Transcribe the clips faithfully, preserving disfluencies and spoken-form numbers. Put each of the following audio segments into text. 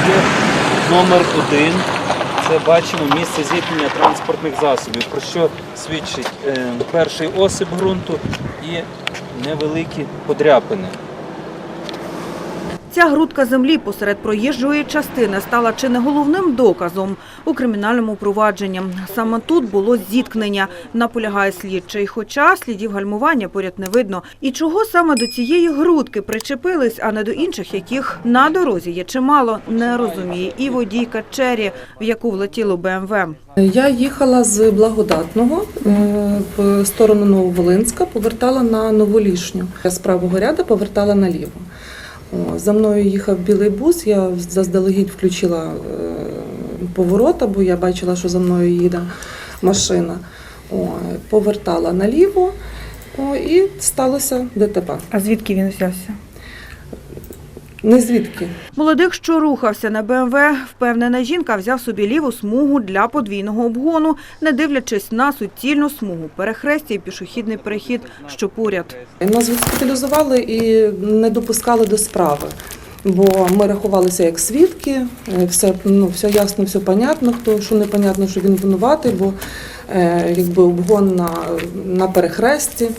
є номер один. Це бачимо місце зіткнення транспортних засобів, про що свідчить е, перший осип ґрунту і невеликі подряпини. Ця грудка землі посеред проїжджої частини стала чи не головним доказом у кримінальному провадженні. Саме тут було зіткнення, наполягає слідчий, хоча слідів гальмування поряд не видно. І чого саме до цієї грудки причепились, а не до інших, яких на дорозі є чимало, не розуміє і водійка Черрі, в яку влетіло Б М В. Я їхала з Благодатного в сторону Нововолинська, повертала на Новолішню. Я з правого ряду повертала наліво. За мною їхав білий бус, я заздалегідь включила поворота, бо я бачила, що за мною їде машина. Повертала наліво і сталося Д Т П. А звідки він взявся? Не звідки. Молодик, що рухався на Б М В, впевнена жінка, взяв собі ліву смугу для подвійного обгону, не дивлячись на суцільну смугу, перехрестя і пішохідний перехід, що поряд. Нас госпіталізували і не допускали до справи, бо ми рахувалися як свідки, все, ну, все ясно, все понятно, хто, що непонятно, що він винуватий, бо е, якби обгон на, на перехресті.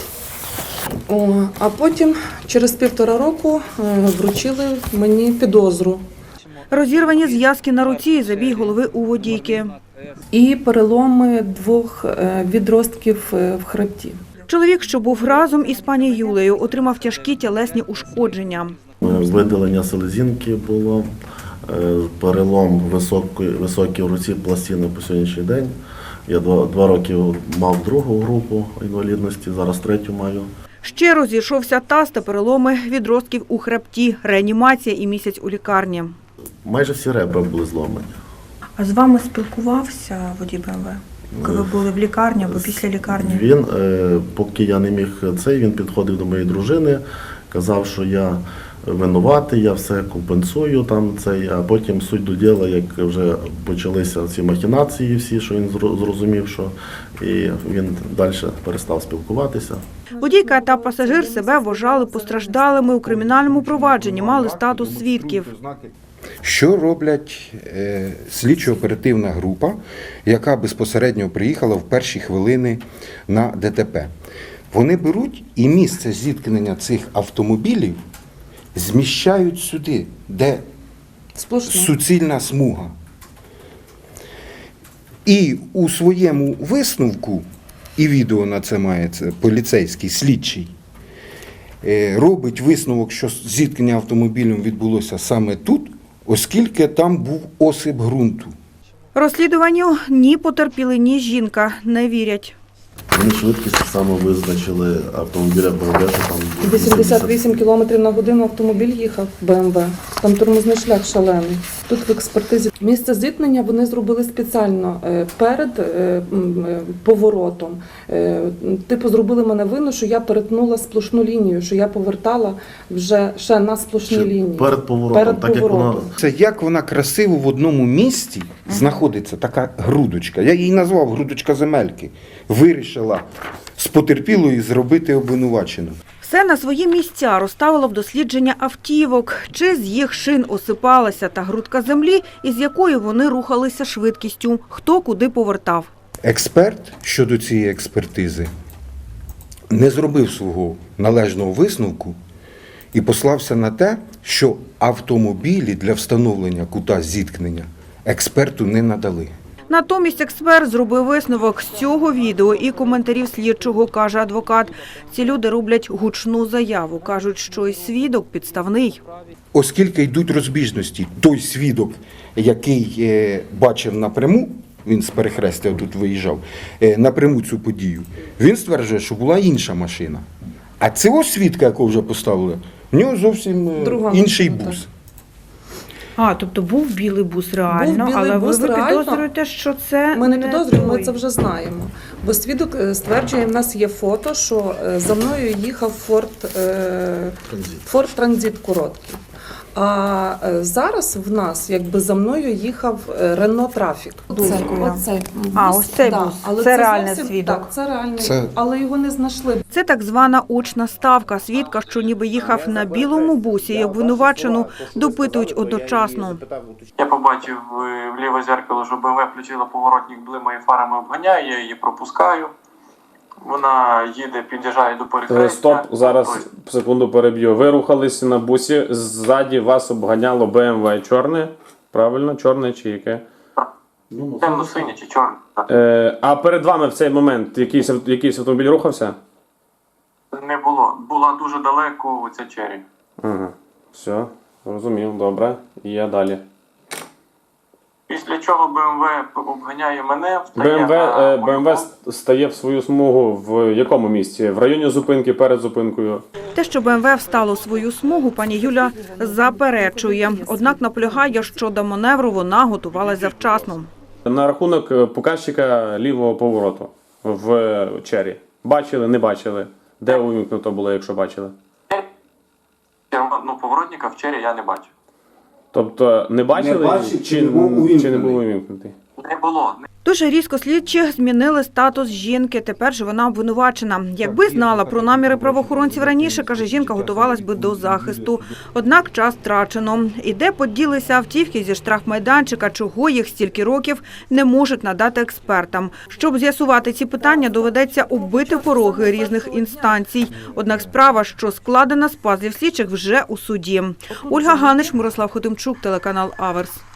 О, а потім через півтора року вручили мені підозру. Розірвані зв'язки на руці і забій голови у водійки. І переломи двох відростків в хребті. Чоловік, що був разом із пані Юлею, отримав тяжкі тілесні ушкодження. Видалення селезінки було, перелом високої, високій в руці пластини по сьогоднішній день. Я два, два роки мав другу групу інвалідності, зараз третю маю. Ще розійшовся таз та переломи відростків у хребті, реанімація і місяць у лікарні. Майже всі ребра були зломані. А з вами спілкувався водій Б М В, коли ви були в лікарні або після лікарні? Він, поки я не міг цей, він підходив до моєї дружини, казав, що я винуватий, я все компенсую, там цей, а потім суть до діла, як вже почалися ці махінації всі, що він зрозумів, що і він далі перестав спілкуватися. Водійка та пасажир себе вважали постраждалими у кримінальному провадженні, мали статус свідків. Що роблять е, слідчо-оперативна група, яка безпосередньо приїхала в перші хвилини на Д Т П? Вони беруть і місце зіткнення цих автомобілів зміщають сюди, де Сплошно. суцільна смуга. І у своєму висновку, і відео на це має це, поліцейський слідчий, робить висновок, що зіткнення автомобілем відбулося саме тут, оскільки там був осип ґрунту. Розслідуванню ні потерпіли, ні жінка не вірять. Вони швидкість саме визначили автомобіля Б М В, що там вісімдесят вісім кілометрів на годину автомобіль їхав Б М В. Там тормозний шлях шалений. Тут в експертизі місце зіткнення вони зробили спеціально перед поворотом. Типу зробили мене вину, що я перетнула сплошну лінію, що я повертала вже ще на сплошній лінії. Перед поворотом, Перед так поворотом. як вона... Це як вона красиво в одному місці знаходиться така грудочка. Я її назвав грудочка земельки. Вирішила з потерпілої зробити обвинувачену. Все на свої місця розставило в дослідження автівок, чи з їх шин осипалася та грудка землі, із якою вони рухалися швидкістю, хто куди повертав. Експерт щодо цієї експертизи не зробив свого належного висновку і послався на те, що автомобілі для встановлення кута зіткнення експерту не надали. Натомість експерт зробив висновок з цього відео і коментарів слідчого, каже адвокат. Ці люди роблять гучну заяву, кажуть, що й свідок підставний. Оскільки йдуть розбіжності, той свідок, який е, бачив напряму, він з перехрестя тут виїжджав, е, напряму цю подію, він стверджує, що була інша машина. А цього свідка, якого вже поставили, в нього зовсім е, Друга інший машина, бус. А, тобто був білий бус реально, Був білий але бус ви реально. підозрюєте, що це Ми не не підозрюємо, ми той. це вже знаємо. Бо свідок стверджує, в нас є фото, що за мною їхав Форд, Форд Транзит короткий. А е, зараз в нас якби за мною їхав е, Рено Трафік. Близькою. Оцей А, бус, ось цей да. бус. Але Це реальний зовсім- свідок. Так, це реальний, Це- але його не знайшли. Це так звана очна ставка. Свідка, що ніби їхав на білому бусі, і обвинувачену допитують одночасно. Я побачив е, в ліве зеркало, що БМВ включила поворотник, блимає фарами, обганяє, я її пропускаю. Вона їде, під'їжджає до перехрестя. Е, Стоп, зараз Тобто, секунду переб'ю. Ви рухалися на бусі, ззаді вас обганяло Б М В чорне, правильно, чорне чи яке? темно-синє чи чорне. так. Е, а перед вами в цей момент якийсь, ав- якийсь автомобіль рухався? Не було. Була дуже далеко ця чері. Ага, все, розумів, добре. Є далі. Після чого БМВ обганяє мене, встає БМВ, на е, мою БМВ стає в свою смугу в якому місці? В районі зупинки, перед зупинкою? Те, що БМВ встало у свою смугу, пані Юля заперечує. Однак наполягає, що до маневру вона готувалася завчасно. На рахунок е, показчика лівого повороту в чері. Бачили, не бачили? Де увімкнуто було, якщо бачили? ну, поворотника в чері я не бачив. Тобто не бачили, Не бачив, чи, чи не був чи не був увімкнений? увімкнутий? Не було. Дуже різко слідчі змінили статус жінки. Тепер же вона обвинувачена. Якби знала про наміри правоохоронців раніше, каже, жінка готувалась би до захисту. Однак час втрачено. І де поділися автівки зі штрафмайданчика, чого їх стільки років не можуть надати експертам. Щоб з'ясувати ці питання, доведеться оббити пороги різних інстанцій. Однак справа, що складена з пазлів слідчих, вже у суді. Ольга Ганич, Мирослав Хотимчук, телеканал Аверс.